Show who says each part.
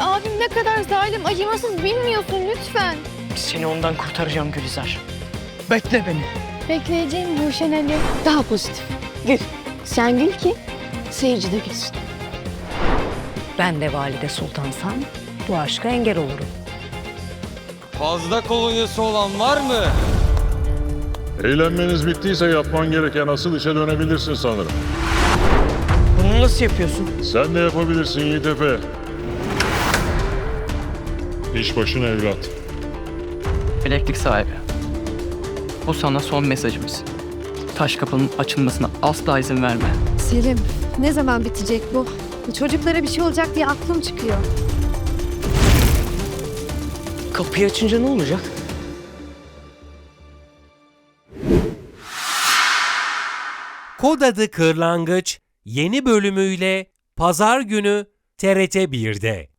Speaker 1: abim ne kadar zalim, acımasız bilmiyorsun lütfen.
Speaker 2: Seni ondan kurtaracağım Gülizar. Bekle beni.
Speaker 1: Bekleyeceğim bu Ali. Daha pozitif. Gül. Sen gül ki seyirci de gülsün.
Speaker 3: Ben de valide sultansam bu aşka engel olurum.
Speaker 4: Fazla kolonyası olan var mı?
Speaker 5: Eğlenmeniz bittiyse yapman gereken asıl işe dönebilirsin sanırım.
Speaker 2: Bunu nasıl yapıyorsun?
Speaker 5: Sen de yapabilirsin Yiğit Efe. İş başına evlat.
Speaker 6: Bileklik sahibi. Bu sana son mesajımız. Taş kapının açılmasına asla izin verme.
Speaker 7: Selim, ne zaman bitecek bu? Çocuklara bir şey olacak diye aklım çıkıyor.
Speaker 2: Kapıyı açınca ne olacak?
Speaker 8: Kod adı Kırlangıç yeni bölümüyle Pazar günü TRT 1'de.